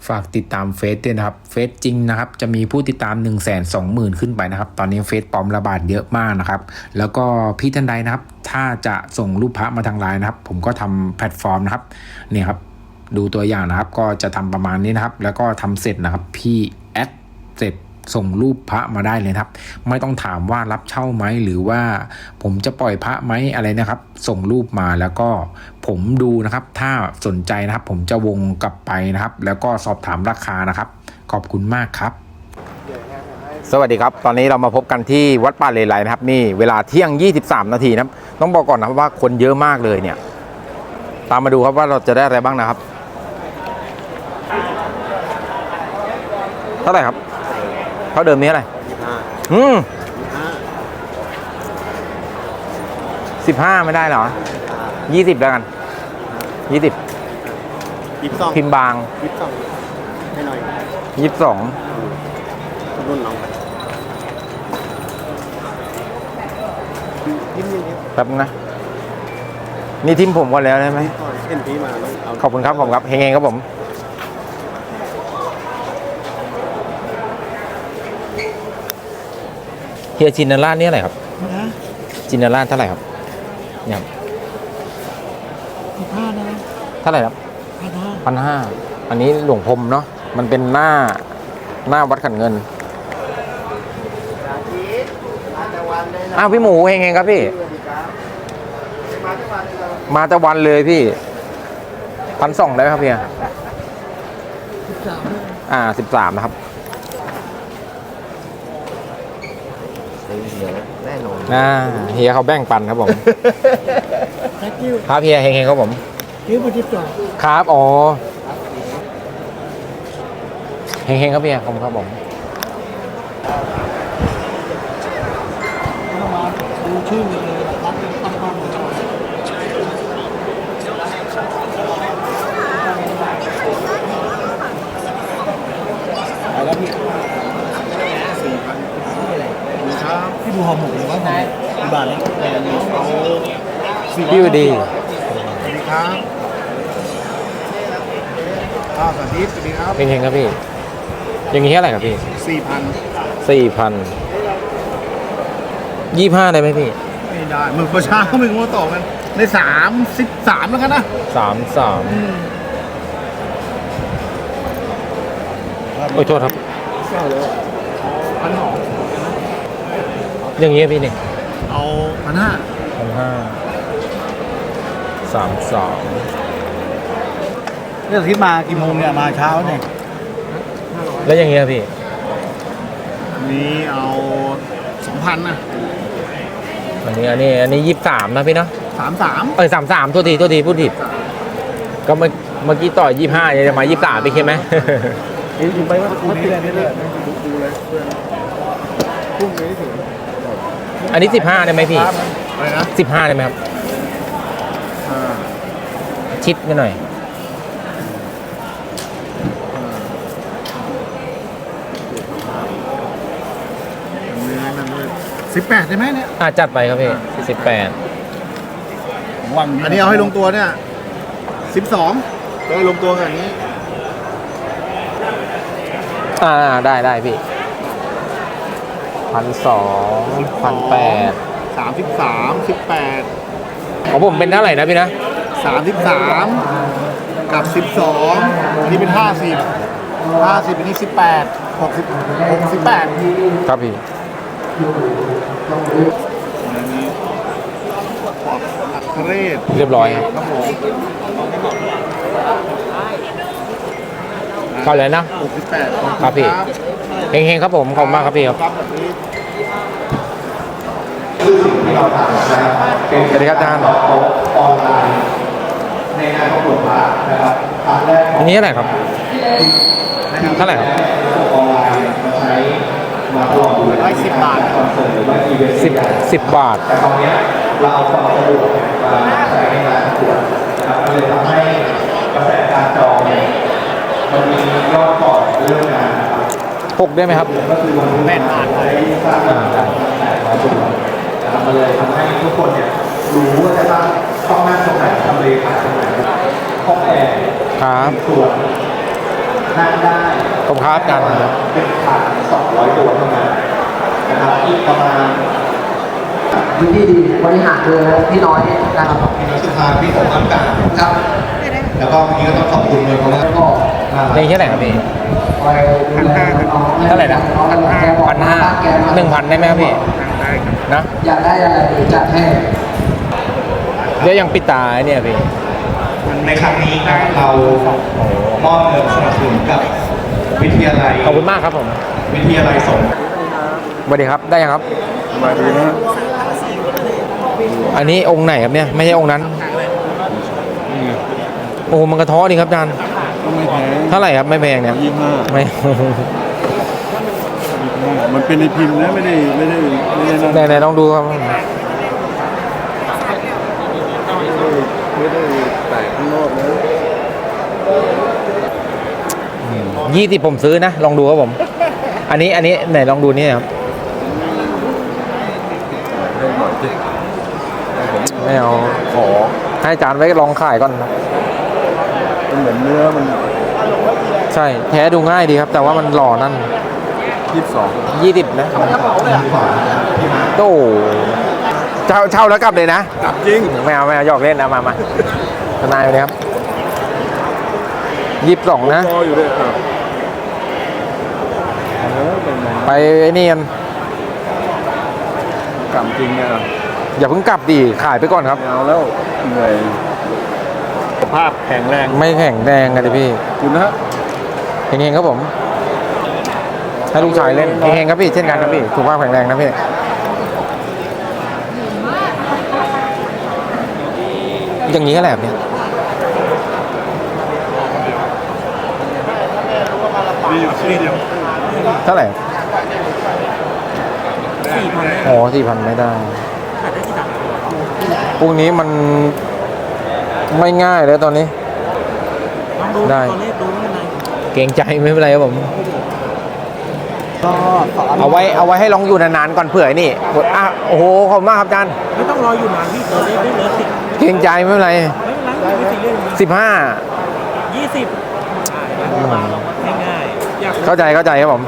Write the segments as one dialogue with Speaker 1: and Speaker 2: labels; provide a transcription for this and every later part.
Speaker 1: ฝากติดตามเฟซด้วยนะครับเฟซจริงนะครับจะมีผู้ติดตาม 120,000 ขึ้นไปนะครับตอนนี้เฟซปลอมระบาดเยอะมากนะครับแล้วก็พี่ท่านใดนะครับถ้าจะส่งรูปพระมาทางไลน์นะครับผมก็ทำแพลตฟอร์มนะครับเนี่ยครับดูตัวอย่างนะครับก็จะทำประมาณนี้นะครับแล้วก็ทำเสร็จนะครับพี่แอดเสร็จส่งรูปพระมาได้เลยครับไม่ต้องถามว่ารับเช่าไหมหรือว่าผมจะปล่อยพระไหมอะไรนะครับส่งรูปมาแล้วก็ผมดูนะครับถ้าสนใจนะครับผมจะวงกลับไปนะครับแล้วก็สอบถามราคานะครับขอบคุณมากครับสวัสดีครับตอนนี้เรามาพบกันที่วัดป่าเลไลนะครับนี่เวลาเที่ยง23 นาทีนะครับต้องบอกก่อนนะครับว่าคนเยอะมากเลยเนี่ยตามมาดูครับว่าเราจะได้อะไรบ้างนะครับเท่าไหร่ครับเท่าเดิมนี้อะไร15ไม่ได้เหรอ20แล้วกัน20พิมพ์บาง
Speaker 2: 22ให้หน่อย
Speaker 1: 22
Speaker 2: รุ่นน้องทิมยังเยอะ
Speaker 1: แป๊บนะนี่ทิมผมก่อนแล้วใช่ไหม
Speaker 2: เห็นพี่มาแล้ว
Speaker 1: ขอบคุณครับผมครับเฮงๆครับผมเฮียจินนาร่านี่อะไรครับจินนาร่าเท่าไหร่ครับเนี่ย
Speaker 2: 15นะ
Speaker 1: เท่าไหร่ครับ1,500อันนี้หลวงพรมเนาะมันเป็นหน้าวัดขันเงินอ้าวพี่หมูเฮงๆครับพี่มาตะวันเลยพี่1,200ได้ครับพี่13นะครับ
Speaker 2: แน่นอน
Speaker 1: เฮียเขาแบ่งปันครับผมครับเฮียเฮงๆครับผมครับอ๋อเฮงๆครับเฮียขอบคุณครับผม
Speaker 2: ดูชื่อเลยรักตั้งบ้านแล้วพี่พี่ดูหอมหมกหรือว่ากี่บาทเนี่ย
Speaker 1: พี่ดี
Speaker 2: สวัสดีครับสวัสดีครับ
Speaker 1: เฮงๆครับพี่อย่างนี้เท่าไหร่ครับพี่4,000 25ได้ไหมพี่
Speaker 2: ไม่ได้มึงประชาเขามึงมาต่อกันใน33แล้วกันนะ
Speaker 1: 33โอ้ยโทษครับ
Speaker 2: 1,200
Speaker 1: อย่างนี้พี่เนี่ย
Speaker 2: เอา
Speaker 1: 1,500 32
Speaker 2: เนี่ยที่มากี่โมงเนี่ยมาเช้าเนี่ย
Speaker 1: แล้วอย่างเงี้ยพี่
Speaker 2: นี้เอา2,000นะ
Speaker 1: อันนี้23นะพี่เนาะ
Speaker 2: 33
Speaker 1: 33โทษทีพูดผิดก็เมื่อกี้ต่อ25จะมา23ไปใช่ไหม
Speaker 2: อยู่ไปว่าคู่นี้เลยดูเลยเพื่อนพุ่งไปถึง
Speaker 1: อันนี้15ได้ไหมพี่
Speaker 2: อะไรนะ
Speaker 1: 15ได้ไหมครับชิดไปหน่อย
Speaker 2: 18ได้ไหมเนี่ย
Speaker 1: จัดไปครับพี่18
Speaker 2: อันนี้เอาให้ลงตัวเนี่ย12ก็ลงตัวกันอย่างนี้
Speaker 1: ได้พี่1,200 1,800
Speaker 2: 33 18
Speaker 1: ของผมเป็นเท่าไหร่นะพี่นะ
Speaker 2: 33กับ12นี่เป็น50อันนี้18 68
Speaker 1: ครับพี่เรียบร้อยครับผมเข้าเลยนะ
Speaker 2: 68
Speaker 1: ครับพี่เฮงๆครับผมขอบคุณมากครับพี่ครับสวัสดีครับอาจารย์อันนี้เท่าไหร่ครับเท่าไหร่ครับ
Speaker 2: 10 บาท
Speaker 1: 10 บาท
Speaker 3: เราเอาความสะดวกมาใช้ในงานประกวดนะครับก็เลยทำให้กระแสการจองเนี่ยมันมียอดก่อนเรื่องงานนะครับ
Speaker 1: 6ได้ไหมครับ
Speaker 3: ก็คือวันแม่ผ่านไปสร้างการ800 ตัวนะครับมันเลยทำให้ทุกคนเนี่ยรู้ว่าจะต้องนั่งตรงไหนทำเลขายตรงไหนห้องแอร์
Speaker 1: ครับ
Speaker 3: ส่วนนั่งได้
Speaker 1: ผมครับอาจารย์
Speaker 3: 1,200 ตัวเท่านั้นนะครับอีกประมาณ
Speaker 4: วิธีดีบริหารเลยพี่น้อยนะครับ
Speaker 3: พี่น้องสุภาพี่ผมทำการ
Speaker 4: ครับ
Speaker 3: แล้วก็วันนี้ก็ต้องขอบคุณเลยเพราะว่า
Speaker 4: ก็
Speaker 1: เพลงเท่าไหร่ครับพี่
Speaker 4: คอยดูแลน้องๆ
Speaker 1: เท่าไหร่นะ
Speaker 4: 1,500
Speaker 1: 1,000ได้ไหมครับพี่นะ
Speaker 4: อยากได้อะไรเดี๋ยวจัดให้
Speaker 1: เดี๋ยวยังปิดตาเนี่ยพี่
Speaker 3: ในครั้งนี้ครับเรามอบเงินสนับสนุนกับวิทยาลัย
Speaker 1: ขอบคุณมากครับผม
Speaker 3: วิทยาลัยสงฆ์
Speaker 1: สวัสดีครับได้ยังครับ
Speaker 2: มาดีนะ
Speaker 1: อันนี้องค์ไหนครับเนี่ยไม่ใช่องค์นั้นโอ้โหมันกระท้อดีครับอาจารย์
Speaker 2: ก็ไม่แพง
Speaker 1: เท่าไหร่ครับไม่แพงเนี่ย
Speaker 2: 25
Speaker 1: ไม่
Speaker 2: มันเป็นในพิมพ์นะไม่ได้นั่น
Speaker 1: ไหนๆลองดูครับ
Speaker 2: ไม่ได้แตกข้างนอกนะ
Speaker 1: 20ผมซื้อนะลองดูครับผม อันนี้ไหนลองดูนี่ครับ
Speaker 2: ให้หน่อยสิ
Speaker 1: ไม่เอาขอให้อาจารย์ไว้ลองขายก่อนครับ
Speaker 2: มันเหมือนเนื้อมัน
Speaker 1: ใช่แท้ดูง่ายดีครับ แต่ว่ามันหล่อนั่น
Speaker 2: 22
Speaker 1: 20นะโต้เช่าแล้วกลับเลยนะ
Speaker 2: กลับจริง
Speaker 1: ไม่เอาหยอกเล่นนะมาทนายไปเลยครับ22นะ
Speaker 2: รออยู่เลยครับเป็นไง
Speaker 1: ไปไอ้นี่กัน
Speaker 2: กลับจริงเนี่ย
Speaker 1: อย่าเพิ่งกลับดิขายไปก่อนครับ
Speaker 2: ไม่เอาแล้วเหนื่อยสภาพแข็งแรง
Speaker 1: ไม่แข็งแดงกันดิพี่
Speaker 2: คุณนะ
Speaker 1: เฮงๆครับผม ให้ลูกชายเล่นเฮงๆครับพี่เช่นกันครับพี่สุขภาพแข็งแรงนะพี่อย่างนี้ก็แหละเนี่ย
Speaker 2: มีอยู่ที่เดียว
Speaker 1: เท่าไหร่4,000อ๋อ4,000ไม่ได้พวกนี้มันไม่ง่ายเลยตอนนี้ ได้ เกรงใจไม่เป็นไรครับผม เอาไว้ให้ลองอยู่นานๆก่อนเผื่อไอ้นี่อ่ะโอ้โหขอบคุณมากครับอาจารย์
Speaker 5: ไม่ต้องรออยู่นานพี่ตัวเล็กไม่เหลือสิบ
Speaker 1: เกรงใจไม่เป็นไร
Speaker 5: ไม่เป็นไรไม่ซีเรียส
Speaker 1: 15
Speaker 5: 20ง่ายๆอยาก
Speaker 1: เข้าใจครับผม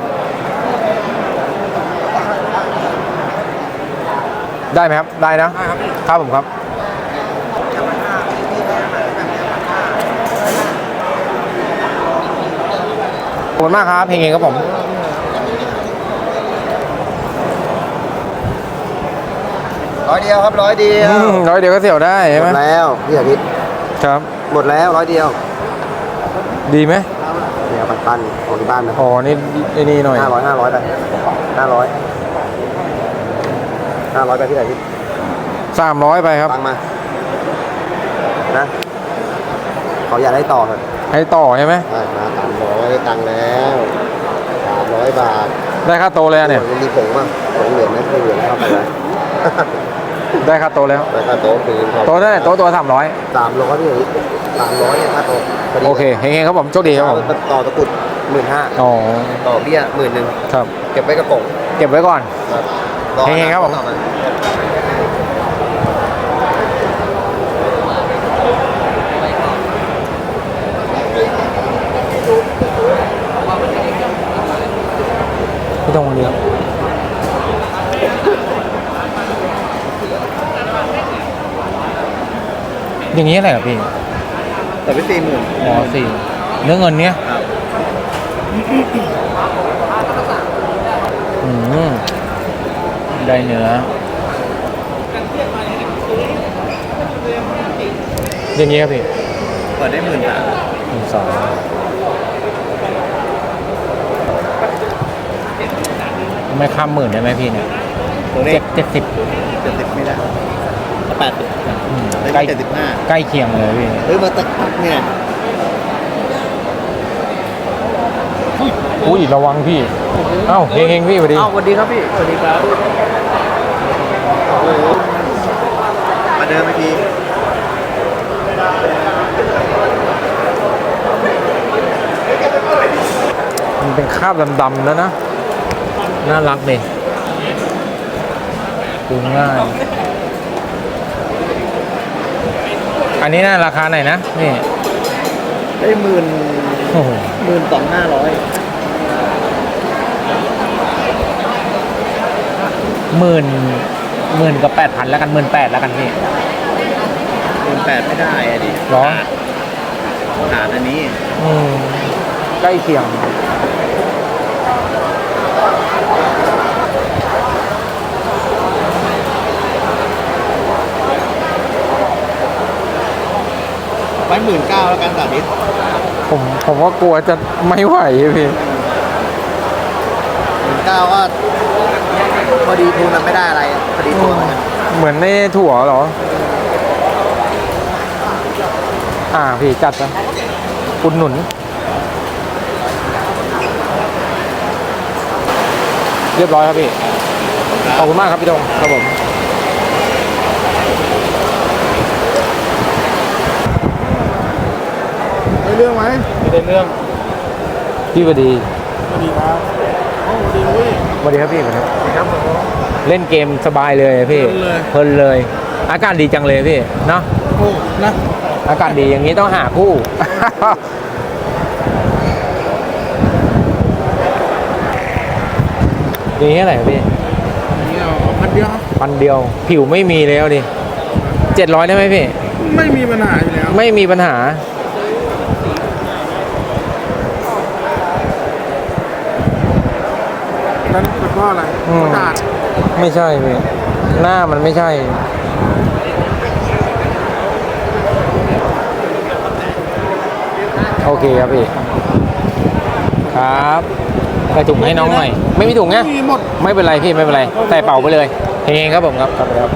Speaker 1: ได้ไหมครับ ได้นะครับผมครับ ขอบคุณมากครับเพลงครับผม
Speaker 4: 100 เดียวครับ100 เดียว
Speaker 1: ร้อยเดียวก็เสี่ยวได้ใช่
Speaker 4: ห
Speaker 1: ไห
Speaker 4: ม
Speaker 1: ม
Speaker 4: ดแล้วพี่อาทิตย์
Speaker 1: ครับ
Speaker 4: หมดแล้ว100 เดียว
Speaker 1: ดีไหม
Speaker 4: เดี๋ยวปันของที่บ้านนะ
Speaker 1: อ๋อนี่นี่หน่อย
Speaker 4: 500ไป500ไปพี่อาทิตย์
Speaker 1: 300ไปครับ
Speaker 4: ฟังมานะเขาอยากได้ต่อครับ
Speaker 1: ให้ต่อใช่ไหม
Speaker 4: ได้มา300ได้ตังค์แล้ว300 บาท
Speaker 1: ได้ค่าโตแล้วเนี่ย
Speaker 4: มันมีผงมั้งผงเหลืองไหมไม่เหลืองเข้าไปเลย
Speaker 1: ได้ค่าโตแล้ว
Speaker 4: ไปค่าโต๊ะคืน
Speaker 1: โตเท่าไหร่โตตัว300
Speaker 4: 300พี่300เนี่ยค่าโต๊ะพดี
Speaker 1: โอเคเฮงๆครับผมโชคดีครับผม
Speaker 4: ต่อตะกรุด15,000
Speaker 1: อ๋อ
Speaker 4: ต่อเบี้ย10,000
Speaker 1: ครับ
Speaker 4: เก็บไว้กระป๋อง
Speaker 1: เก็บไว้ก่อน
Speaker 4: ครับ
Speaker 1: เฮงๆครับผม
Speaker 4: ต่อา
Speaker 1: ไม่ต้องเลี้ยงอย่างนี้อะไรครับพี่
Speaker 4: แต่ไป40,000
Speaker 1: อ๋อสี่เรื่องเงินเนี้ยได้เนื้ออย่างนี้ครับพี่
Speaker 4: เปิดได้10,000
Speaker 1: 12,000ไม่ข้าม10,000ได้ไหมพี่เนี่ย
Speaker 4: ตัวเลข
Speaker 1: 70
Speaker 4: 70ไม่ได้80
Speaker 1: ใกล้
Speaker 4: ได้75
Speaker 1: ใกล้เคียงเลยพี่
Speaker 4: เฮ้ยมาตักเนี่ย
Speaker 1: อุ้ยระวังพี่ เอ้าเฮงๆพี่สวัสดี
Speaker 5: สวัสดีครับพี่ สวัสดีครับ
Speaker 4: มาเดินเมื่อกี้
Speaker 1: มันเป็นคราบดำๆแล้วนะ น่ารักเลยดูง่าย อันนี้น่าราคาไหนนะนี่
Speaker 4: ได้10,000 โอ้โห
Speaker 5: 12,500
Speaker 1: 10,000กับ8,000แล้วกัน18,000แล้วกันพี่
Speaker 5: 18,000ไม่ได้อะดิ
Speaker 1: หรอ
Speaker 5: ขาดอันนี้
Speaker 1: ใกล้เคียง
Speaker 5: ไว้19,000แล้วกันสาธิต
Speaker 1: ผมว่ากลัวจะไม่ไหวพี่
Speaker 4: 19,000ก็พอดีทุนมันไม่ได้อะไรอะพอดีตัวมันอะ
Speaker 1: เหมือนในถั่วเหรอ พี่จัดไปอุดหนุน เรียบร้อยครับพี่ ขอบคุณมากครับพี่ดงครับผม
Speaker 2: ได้เรื่องไหม
Speaker 5: ไม่ได้เรื่อง
Speaker 1: พี่สวัสดี
Speaker 2: สวัสดีครับโอ้สวัสดีลุย
Speaker 1: สวัสดีครับพี่สวัสดีครับ
Speaker 2: สวัสดีครับผม
Speaker 1: เล่นเกมสบายเลยพี่ เพลินเลย อากาศดีจังเลยพี่ เนาะ
Speaker 2: โอ้นะ
Speaker 1: อากาศดีอย่างนี้ต้องหาคู่ อย่างนี้เท่าไหร่พี่
Speaker 2: อันนี้เอา1,000เดียวครับ
Speaker 1: 1,000 เดียว ผิวไม่มีแล้วดิ700ได้ไหมพี่
Speaker 2: ไม่มีปัญหาอยู่แล้ว
Speaker 1: ไม่มีปัญหา
Speaker 2: นั้นเป็นเพราะอะไร
Speaker 1: อืม
Speaker 2: อากาศ
Speaker 1: ไม่ใช่พี่ หน้ามันไม่ใช่ โอเคครับพี่ ครับใส่ถุงให้น้องหน่อย ไม่มีถุงไง
Speaker 2: มีหมด
Speaker 1: ไม่เป็นไรพี่ไม่เป็นไร ใส่เป่าไปเลยเฮงๆครับผมครับครับ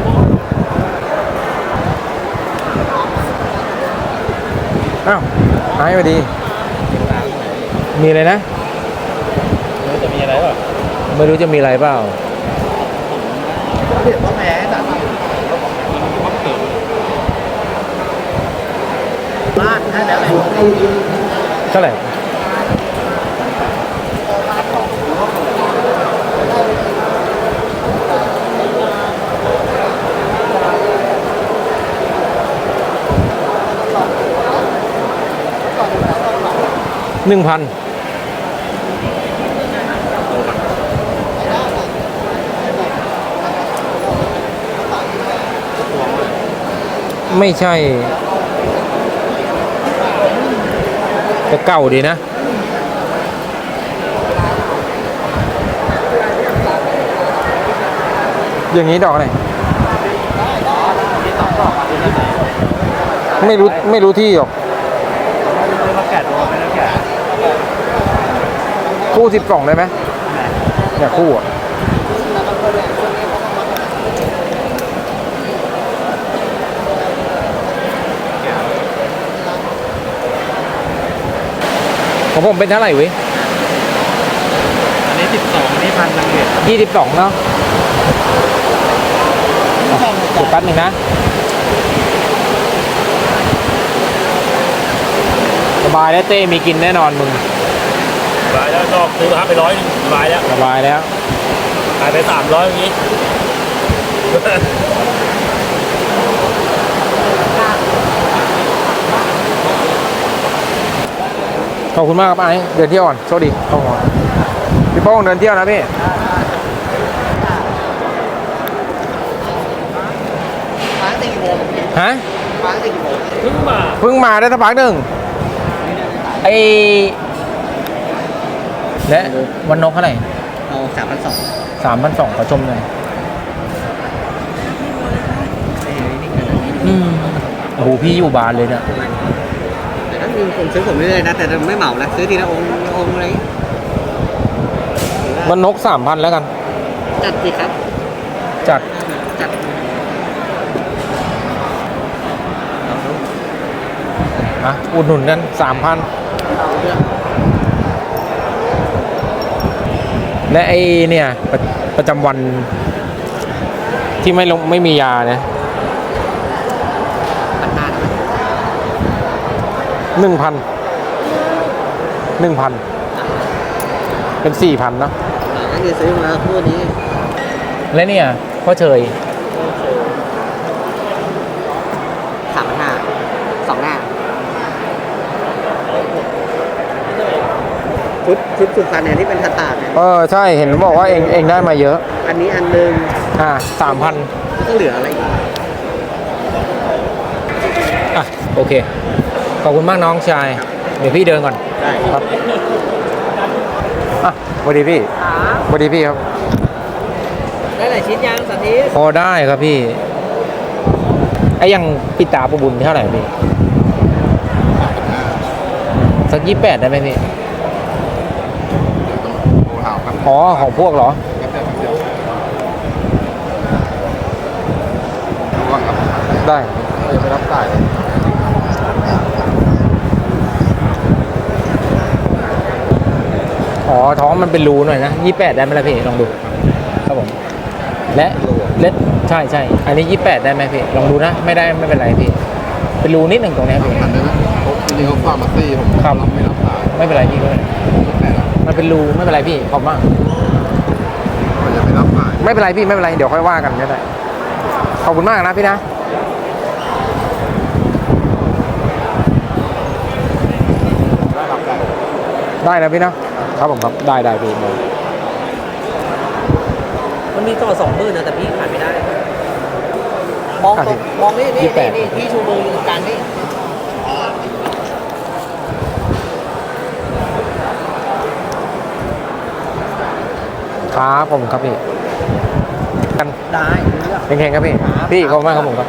Speaker 1: อ้าวหายไปดี มีอะไรนะ
Speaker 5: จะมีอะไรป่ะ
Speaker 1: ไม่รู้จะมีอะไรเปล่า
Speaker 5: เดี๋ยวต้องแพ้สาธิตบ้านให้แล้วแหละ
Speaker 1: เท่าไหร่1,000ไม่ใช่แต่เก่าดีนะ อย่างนี้ดอกอะไรไม่รู้ที่หรอก
Speaker 5: มาแกะตัวไม่ได้แกะ
Speaker 1: คู่12ได้ไหมเนี่ยคู่อ่ะของผมเป็นเท่าไหร่เว้ย
Speaker 5: อันนี้12อันนี้1,000นึงเด็ด
Speaker 1: 22เนาะเดี๋ยวแป๊บหนึงนะ สบายแล้วเต้มีกินแน่นอนมึง
Speaker 5: สบายแล้วชอบซื้อมาไป100นึงสบายแล้ว
Speaker 1: สบายแล้ว
Speaker 5: ขายไป300อย่างนี้
Speaker 1: ขอบคุณมากครับไอ้เดินเที่ยวก่อนโชคดีขอบคุณพี่โป้งเดินเที่ยวนะพี่
Speaker 4: ฟ้าตีกี่โมง
Speaker 1: ฮะ
Speaker 4: ฟ้าตีกี่โมง
Speaker 5: เพิ่งมา
Speaker 1: เพิ่งมาได้สักพักหนึ่งไอ้และวันนกเท่าไหร่
Speaker 4: เอา3,200
Speaker 1: 3,200ขอชมหน่อยโอ้โหพี่อยู่บานเลยเนี่ย
Speaker 4: แต่ถ้ามีคนซื้อผมเรื่อยๆนะแต่ไม่เหมานะซื้อทีละองค์อะไรอย่างงี้
Speaker 1: วันนก3,000แล้วกัน
Speaker 4: จัดสิครับ
Speaker 1: จัด
Speaker 4: จัด
Speaker 1: อุดหนุนกัน 3,000
Speaker 4: เอาเรื่อง
Speaker 1: และไอ้เนี่ยประจำวันที่ไม่มียาเนี่ย
Speaker 4: ปัญหา
Speaker 1: 1,000 เป็น 4,000เนาะ
Speaker 4: ก็คือซื้อมาคู่นี้
Speaker 1: และเนี่ยพ่อเฉย
Speaker 4: 3,500 2 หน้าชุดสุพรรณเนี่ยที่เป็นสตาร์ทเนี่ย
Speaker 1: ใช่เห็นบอกว่าเองได้มาเยอะ
Speaker 4: อันนี้อันหนึง
Speaker 1: 3,000
Speaker 4: ก็เหลืออะไรอีก
Speaker 1: โอเคขอบคุณมากน้องชายเดี๋ยวพี่เดินก่อน
Speaker 4: ได้
Speaker 1: ครับสวัสดีพี่สวัสดีพี่ครับ
Speaker 4: ได้หลายชิ้นยังสาธิต
Speaker 1: พอได้ครับพี่ไอ้ยังปิดตาประบุญเท่าไหร่พี่สัก28ได้ไหมพี่อ๋อของพวกเหรอได้ไม่รับสายท้องมันเป็นรูหน่อยนะ28ได้ไหมล่ะพี่ลองดูครับผมและใช่อันนี้28ได้ไหมพี่ลองดูนะไม่ได้ไม่เป็นไรพี่เป็นรูนิดหนึ่งตรงนี้พี่
Speaker 2: จริงๆเขาฝากมาซี่ผม
Speaker 1: ครับ
Speaker 2: ไม่รับสาย
Speaker 1: ไม่เป็นไรพี่มันเป็นรูไม่เป็นไรพี่ขอบมาก
Speaker 2: มันจะไม่รับสาย
Speaker 1: ไม่เป็นไรพี่ไม่เป็นไรเดี๋ยวค่อยว่ากันก็ได้ขอบคุณมากนะพี่นะได้นะพี่นะครับผมครับได้พี่
Speaker 4: มันมีต่อ20,000นะแต่พี่ขายไม่ได้ มองตรงมองนี่ที่ชูมืออยู่ตรงกลางนี่
Speaker 1: ครับผมครับพี่กัน
Speaker 4: ได้
Speaker 1: เป็นไงครับพี่พี่ขอบคุณมากครับผมครับ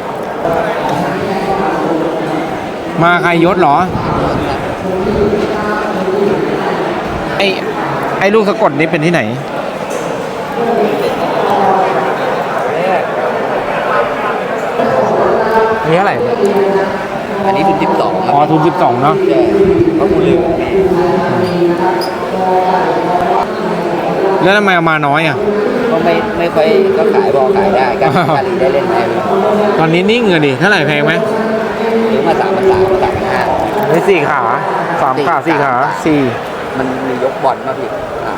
Speaker 1: มาใครยศเหรอไอ้ลูกสะกดนี้เป็นที่ไหนมีเท่าไหร่
Speaker 4: อันนี้ทุน12ครับ
Speaker 1: ทุน12เนาะ
Speaker 4: เพราะมูลเหลือ
Speaker 1: แล้วทำไมเอามาน้อยอ่ะ
Speaker 4: ก็ไม่ค่อยก็ขายบอกขายได้การีได้เล่นไหม
Speaker 1: ตอนนี้นิ่งเลยดิเท่าไหร่แพงไหม
Speaker 4: ซื้อมา3,300
Speaker 1: ไม่4 ขา3 ขา4 ขา4
Speaker 4: มันมียกบอลมาพี่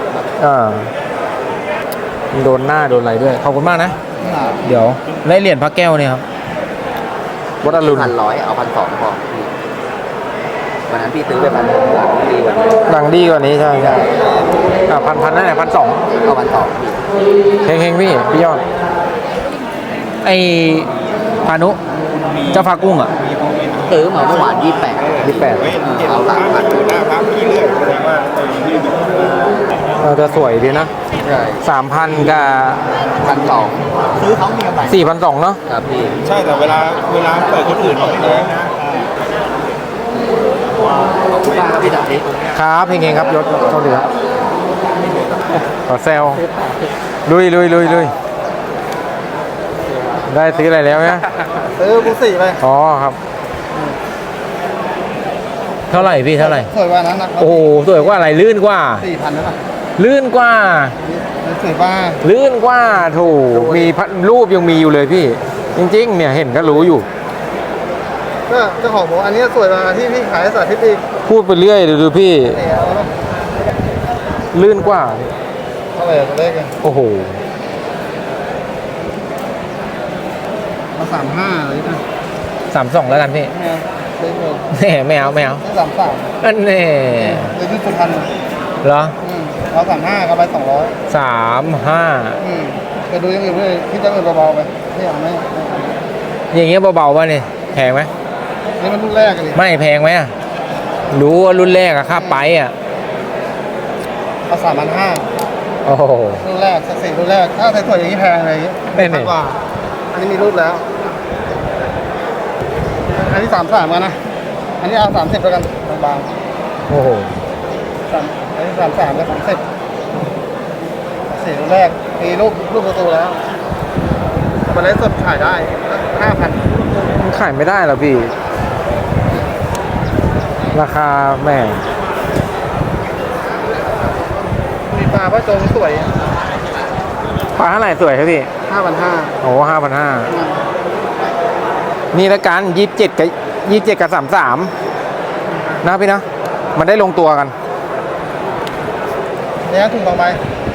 Speaker 1: โดนหน้าโดนอะไรด้วยขอบคุณมากนะเดี๋ยวได้เหรียญพระแก้วเนี่ยครับวัดอรุณ
Speaker 4: 1,100เอา1,200พอพี่วันนั้นพี่ซื้อไป1,600ดีกว่านี้
Speaker 1: ดังดีกว่านี้ใช่พันนั่นแหละ1,200
Speaker 4: เอา1,200พี่
Speaker 1: เฮงพี่ยอดไอพานุเจ้าฟ้ากุ้งอ่ะ
Speaker 4: ซื้อมาเมื่อวาน28เอา3,000
Speaker 2: หน้าพักพี่เรื่อยแสดงว่า
Speaker 1: จะสวยดีนะ
Speaker 4: ใช่
Speaker 1: 3,000 กับ
Speaker 4: 1,200ซื้อเขามีกำไร
Speaker 1: 4,200เนาะ
Speaker 4: ครับพี่
Speaker 2: ใช่แต่เวลาเปิดคนอื่นเขาไม่ได้นะ
Speaker 4: ขอบคุณมากครับพี่ดาบ
Speaker 1: ครับเฮงครับยศโชคดีครับขอแซวลุยได้ซื้ออะไรแล้วเนี่ย
Speaker 2: ซื้อบูสี่ไป
Speaker 1: ครับเท่าไหร่พี่เท่าไหร่
Speaker 2: สวยกว่านั้นนะ
Speaker 1: โอ้โหสวยกว่าอะไรลื่นกว่า
Speaker 2: 4,000แล้วป่ะ
Speaker 1: ลื่นกว่า
Speaker 2: สวยกว่า
Speaker 1: ลื่นกว่าถูกมีรูปยังมีอยู่เลยพี่ จริงๆเนี่ยเห็นก็รู้อยู่
Speaker 2: ก็เจ้าของบอกอันนี้สวยกว่าที่พี่ขายสาธิตอีก
Speaker 1: พูดไปเรื่อยดูพี่
Speaker 2: เนี่ยเอาแล้ว
Speaker 1: ลื่นกว่า
Speaker 2: เท่าไหร่ตัวเลขเนี่ย
Speaker 1: โอ้โห
Speaker 2: มา35เลยนะ
Speaker 1: 32แล้วกันพี่
Speaker 2: ไม่เอาเลขเลย
Speaker 1: แน่ไม่เอา
Speaker 2: ได้33
Speaker 1: อันแน่
Speaker 2: เลยที่สุพรรณ
Speaker 1: เหรอ
Speaker 2: เอา35ก็ไป200
Speaker 1: 35
Speaker 2: ไปดูอย่างอื่นเลยที่จะเงินเบาๆไปไม่เอาไม่
Speaker 1: อย่างเงี้ยเบาๆป่ะนี่แพงไหม
Speaker 2: นี่มันรุ่นแรกกันเลย
Speaker 1: ไม่แพงไหมอะรู้ว่ารุ่นแรกอะค่าไปอะ
Speaker 2: เอา3,500
Speaker 1: โอ้โห
Speaker 2: รุ่นแรกสัก4รุ่นแรกถ้าสวยๆอย่างนี้แพงอะไรอย่างนี้
Speaker 1: แน่ๆ
Speaker 2: กว่าอันนี้มีรุ่นแล้ว อันนี้33กันนะอันนี้เอา30แล้วกันบาง
Speaker 1: โอ้โห
Speaker 2: ๆอันนี้33กับ30 4รุ่นแรกมีรูปประตูแล้วมาเล่นสดขายได้ 5,000
Speaker 1: มันขายไม่ได้หรอพี่ ราคาแหม่
Speaker 2: มีปลาพระจงสวย
Speaker 1: ปลาเท่าไหร่สวยครับพี่
Speaker 2: 5,500
Speaker 1: โอ้5,500นี่ละกัน27กับ33นะพี่นะมันได้ลงตัวกัน
Speaker 2: เนี่ยถุงต่อไป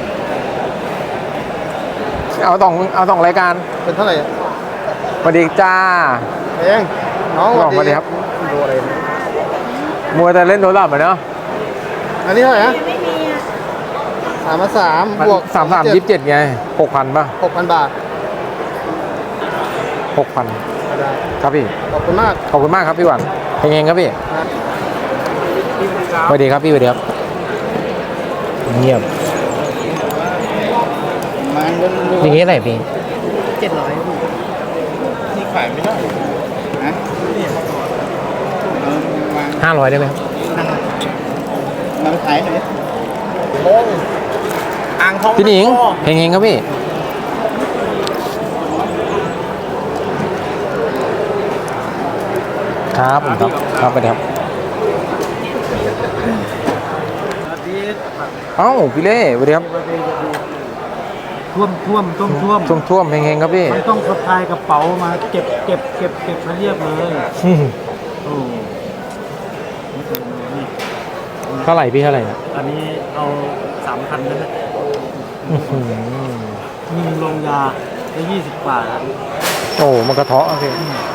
Speaker 1: เอาสองรายการ
Speaker 2: เป็นเท่าไหร่
Speaker 1: สวัสดีจ้า
Speaker 2: เองน้อง
Speaker 1: บอกมาดิครับ
Speaker 2: ดูอะไร
Speaker 1: มัวแต่เล่นโทรศัพท์อะเนาะ
Speaker 2: 5,500 อันนี้เท่าไหร่นะ3,300บวก
Speaker 1: 33 27ไง6,000ป่ะ
Speaker 2: 6,000 บาท
Speaker 1: 6,000
Speaker 2: ได้
Speaker 1: ครับพี่
Speaker 2: ขอบคุณมาก
Speaker 1: ขอบคุณมากครับพี่หวันเฮงๆครับพี่สวัสดีครับพี่สวัสดีครับเงียบ
Speaker 2: มันก็
Speaker 1: อย่างนี้อะไรพี่
Speaker 4: 700
Speaker 2: ที่ขายไม่ได้นะนี่มัน
Speaker 1: 500ได้ไหมครับ
Speaker 2: มันขายหน่อยโอ้อ่างทอง
Speaker 1: พี่หนิงเฮงๆครับพี่ครับผมครับครับไปครับเอ้าพี่เล่สวัสดีครับ
Speaker 5: ท่วม
Speaker 1: ท่วมเฮงๆครับพี่
Speaker 5: ไม่ต้องสะพายกระเป๋ามาเก็บมาเรียบเลยโอ้ไม่เคยมานี่
Speaker 1: เท่าไหร่พี่เท่าไหร่นะ
Speaker 5: อันนี้เอา 3,000นั่นแหละ
Speaker 1: อื้อหือ
Speaker 5: ยิงลงยาได้20 บาท
Speaker 1: โอ้มันกระเทาะอะพี่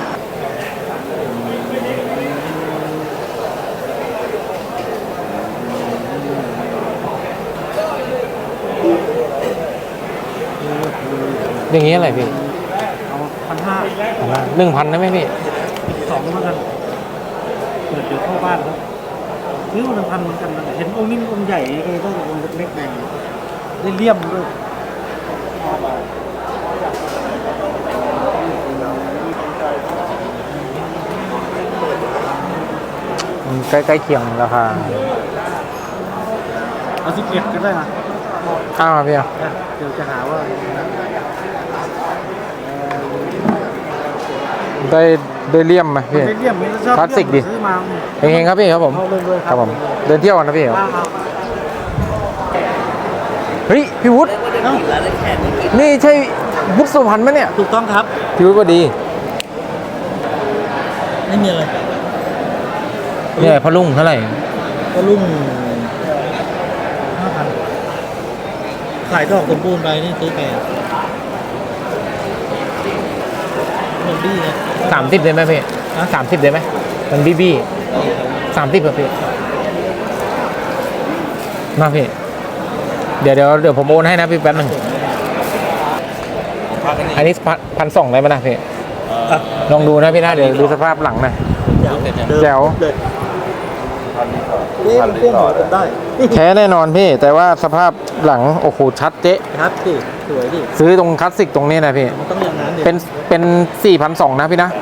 Speaker 1: อย่างนี้อะไรพี่
Speaker 5: เอา1,500
Speaker 1: 1,000ได้ไหมพี่
Speaker 5: 2แล้วกันเปิดเดี๋ยวเข้าบ้านแล้วซื้อมา1,000เหมือนกันนะเห็นองค์นี้มันองค์ใหญ่เลยต้ององค์เล็กๆแดงได้เลี่ยมด้วย
Speaker 1: ใกล้เคียงราคา
Speaker 5: เอา11ก็ได้นะ
Speaker 1: อ้าวพี่อ่ะ
Speaker 5: เดี๋ยวจะหาว่า
Speaker 1: ได้เลี่ยมไหมพี่
Speaker 5: ได้เลี่ยมไม่ชอบ
Speaker 1: คลาสสิกดิ
Speaker 5: ซื้อมา
Speaker 1: เฮงๆครับพี่ครับผม
Speaker 5: เอาเลยๆ
Speaker 1: ครับผมเดินเที่ยวกันนะพี่ครับ
Speaker 5: เอา
Speaker 1: เฮ้ยพี่วุฒิ
Speaker 4: ได้กินแล้วได้แขกได้กิน
Speaker 1: นี่ใช่วุฒิสุพรรณไหมเนี่ย
Speaker 5: ถูกต้องครับ
Speaker 1: พี่วุฒิพอดี
Speaker 5: ไม่มีอะไร
Speaker 1: เนี่ยพะลุงเท่าไหร่
Speaker 5: ก็ลุ่ง5,000ขายดอกสมบูรณ์ไปนี่ซื้อไปมันดีไง
Speaker 1: 30ได้ไหมพี่30ได้ไหมมันบี้30ครับพี่มาพี่เดี๋ยวผมโอนให้นะพี่แป๊บนึงอันนี้1,200ได้ไหมนะพี่ลองดูนะพี่นะเดี๋ยวดูสภาพหลังนะแจ๋ว
Speaker 5: นี่มันพ่วงหัวผมได้
Speaker 1: แท้แน่นอนพี่ แต่ว่าสภาพหลังโอ้โหชัดเจ๊ะ
Speaker 5: ครับดิสวยดิ
Speaker 1: ซื้อตรงคลาสสิกตรงนี้นะพี่
Speaker 5: มันต้องอย่างนั้นดิ
Speaker 1: เป็น4,200นะพี่นะ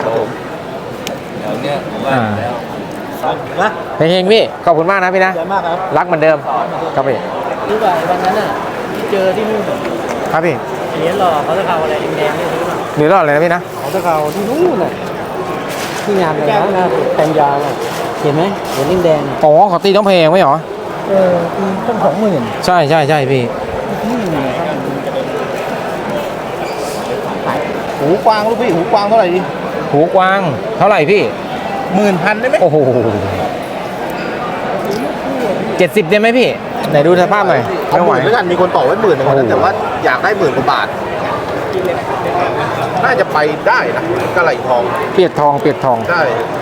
Speaker 1: อ่า
Speaker 5: นะ
Speaker 1: เฮงๆพี่ขอบคุณมากนะพี่นะ
Speaker 5: เยอะมากครับ
Speaker 1: รักเหมือนเดิมครับพี่
Speaker 4: ซื้อไปวันนั้นน่ะที่เจอที่นู่น
Speaker 1: ครับพี่
Speaker 4: เหรียญหล่อเขาจะเอาอะไรแดงๆนี่ซื้อมา
Speaker 1: หรือรอดเลยนะพี่นะ
Speaker 5: ของตะเขาที่นู่นน่ะที่งานเลยนะแตงยาวน่ะเห็นไหมเหรียญแดงๆน่ะ
Speaker 1: อ๋อขอตีต้องเพลงไหมเหรอ
Speaker 5: ต้อง20,000
Speaker 1: ใช่พี่
Speaker 2: หูกวางลูกพี่หูกวางเท่าไหร่ดี
Speaker 1: หูกวางเท่าไหร่พี่
Speaker 2: 10,000ได้ไหม
Speaker 1: โอ้โห70ได้ไหมพี่ไหนดูสภาพหน่อย
Speaker 2: เอา
Speaker 1: ไม่ไหว
Speaker 2: 10,000แล้วกันมีคนต่อไว้10,000นึงนะแต่ว่าอยากได้10,000 กว่าบาท น่าจะไปได้นะกระไหลทอง
Speaker 1: เปียกทอง
Speaker 2: ใช่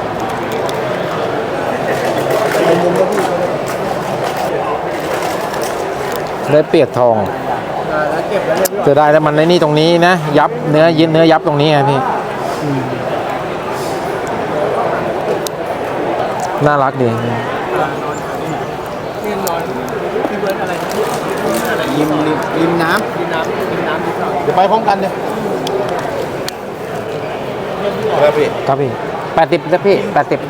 Speaker 1: ได้เปียกทอง
Speaker 2: เก็บไว้เรียบร้อย
Speaker 1: จะได้แล้วมันในนี่ตรงนี้นะยับเนื้อยับตรงนี้ไงพี่น่ารักดี
Speaker 2: ริมน้ำเดี๋ยวไปพร้อมกันเนี่ยครับพี่
Speaker 1: ครับพี่80นะพี่80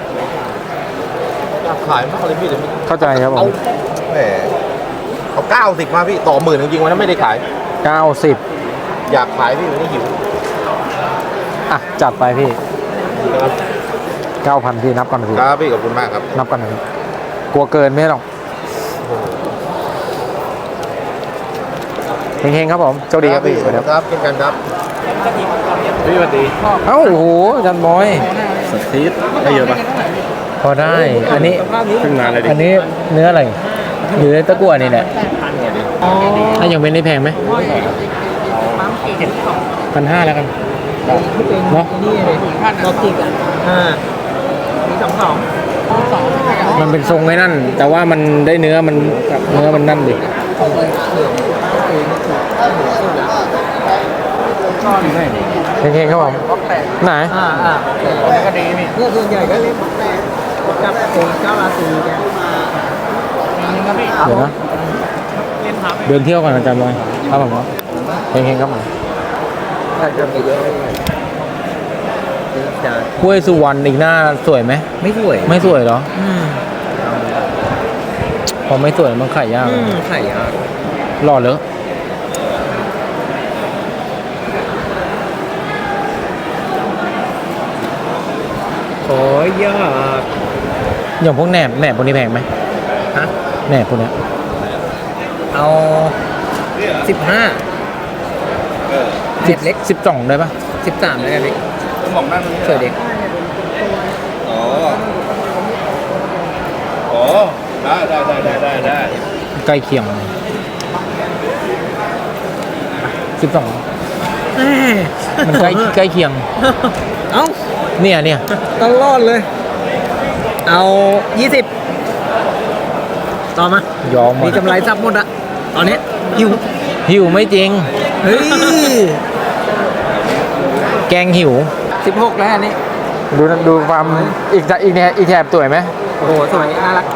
Speaker 2: ขายมากเลยพี่เดี๋ยว
Speaker 1: เข้าใจครับผ
Speaker 2: เอา
Speaker 1: ม
Speaker 2: แหมเอา90มาพี่ต่อ10,000จริงๆวันนั้นไม่ได้ขาย
Speaker 1: 90
Speaker 2: อยากขายพี่วันนี้หิว
Speaker 1: อ่ะจัดไปพี่ 9,000พี่นับกันพี่
Speaker 2: ครับพี่ขอบคุณมากครับ
Speaker 1: นับกันพี่กลัวเกินไม่หรอกเฮงๆครับผมโชคดีครับพี่สวัสดีครับ
Speaker 2: ครับเช่นกันครับพี่สวัสดี
Speaker 1: เอ้าโอ้โหอาจันบอย
Speaker 2: สตีฟได้เยอะปะ
Speaker 1: พอได้ อันนี้
Speaker 2: ขึ้นมาเลยดิ
Speaker 1: อันนี้เนื้ออะไรหรือตะกั่วนี่แหละถ้ายังเป็นได้แพงไหม1,500แล้วกันเนาะ
Speaker 4: นี่เลยเราติดอ่ะมี22
Speaker 1: เมันเป็นทรงไอ้นั่น แต่ว่ามันได้เนื้อมันนั่นดิเฮงๆครับผมไหน
Speaker 4: ก็ดีนี่เนี่ยส่วนใหญ่ก็เล่นกับเจ้าราศีแก
Speaker 1: เดี๋ยวนะเดินเที่ยวก่อนอาจารย์บอยครับผมเฮงๆครับผม
Speaker 4: ถ้าจะไปเยอะจะ
Speaker 1: ห้วยสุวรรณอีกหน้าสวยไหม
Speaker 4: ไม่สวย
Speaker 1: ไม่สวยเหรอพอไม่สวยมันขายยาก
Speaker 4: ไข่ยาก
Speaker 1: หล่อเลย
Speaker 4: ขอยาก
Speaker 1: อย่างพวกแหนบพวกนี้แพงไหม
Speaker 4: ฮะ
Speaker 1: แหนบพวกเนี้ย
Speaker 4: เอา15เด็กเล็ก
Speaker 1: 12ได้ปะ
Speaker 4: 13แล้วกันเล็ก
Speaker 2: มองหน้าตรงนี้
Speaker 4: สวยเด็ก
Speaker 2: อ๋ออ๋อได้
Speaker 1: ใกล้เคียง12 มันใกล้เคียง
Speaker 4: เอ้า
Speaker 1: เนี่ย
Speaker 4: ตลอดเลย เอา20ต่อมาย
Speaker 1: อมหม
Speaker 4: มี
Speaker 1: ด
Speaker 4: กำไรซับหมดอะตอนนี้หิว
Speaker 1: หิวไม่จริง
Speaker 4: เฮ้ย
Speaker 1: แกงหิว
Speaker 4: 16แล้วอันนี้
Speaker 1: ดูความอีกแถบสวยไหม
Speaker 4: โอ้โหสวยน่ารัก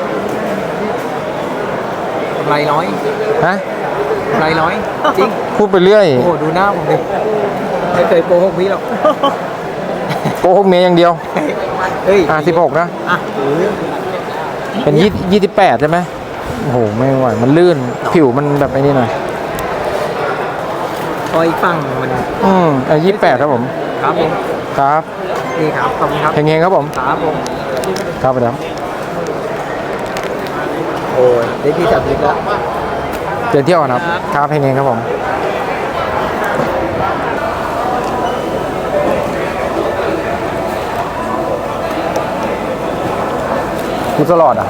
Speaker 4: กำไรน้อย
Speaker 1: ฮะ
Speaker 4: กำไรน้อยจริง
Speaker 1: พูดไปเรื่อย
Speaker 4: โอ้โหดูหน้าผมดิไม่เคยโกหกพี่หรอก
Speaker 1: โกหกเมียอย่างเดียว
Speaker 4: เฮ้ย
Speaker 1: 16นะ
Speaker 4: อ่ะ
Speaker 1: เป็น28ใช่ไหมโอ้โหไม่ไหวมันลื่นผิวมันแบบไอ้นี่หน่อย
Speaker 4: พออีกฝั่งมัน
Speaker 1: 28ครับผม
Speaker 4: ครับผม
Speaker 1: ครับ
Speaker 4: นี่ครับขอบคุณครับ
Speaker 1: เฮงๆครับผม
Speaker 4: ครับผม
Speaker 1: ครับไปแล้ว
Speaker 4: โอ้ยได้ที่จับลิฟต์แล้ว
Speaker 1: เดินเที่ยวกันครับครับเฮงๆครับผมกูตลอดอ่ะ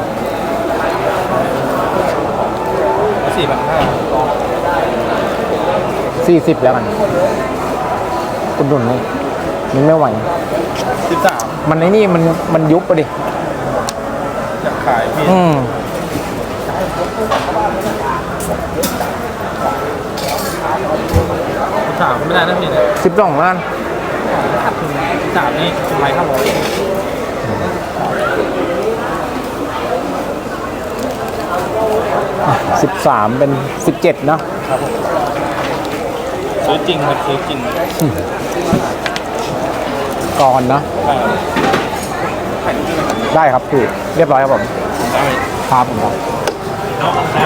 Speaker 1: 40แล้วกันคุณดุนนี่มันไม่ไหว
Speaker 2: 13
Speaker 1: มันไอ้นี่มันยุบไปดิ
Speaker 2: อยากขายพี่
Speaker 5: 3ไม่ได้นะพี่เนี่ย
Speaker 1: 12ล้าน
Speaker 5: 3นี่กำไร500
Speaker 1: 13เป็น17เนาะ
Speaker 5: ซื้อจริงครับซื้อจริง
Speaker 1: ก่อนเนาะได้ครับพี่เรียบร้อยครับผม
Speaker 5: ได้
Speaker 1: ครับผมครับ
Speaker 5: เนาะแล้ว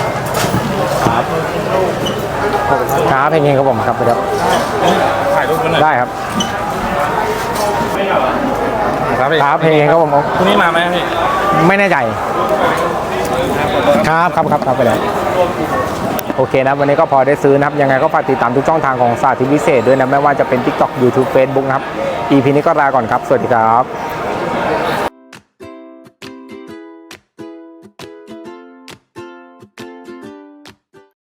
Speaker 1: ครับเพลงครับผมครับไปครับ
Speaker 5: ถ่ายรูปกันหน่อย
Speaker 1: ได้ครับ
Speaker 5: ครับพี่
Speaker 1: ครับเพลงครับผม
Speaker 5: พรุ่งนี้มาไหมพี่
Speaker 1: ไม่แน่ใจครับไปแล้วโอเคนะวันนี้ก็พอได้ซื้อนะครับยังไงก็ฝากติดตามทุกช่องทางของสาธิตวิเศษด้วยนะไม่ว่าจะเป็น TikTok YouTube Facebook นะครับ EP นี้ก็ลาก่อนครับสวัสดีครับ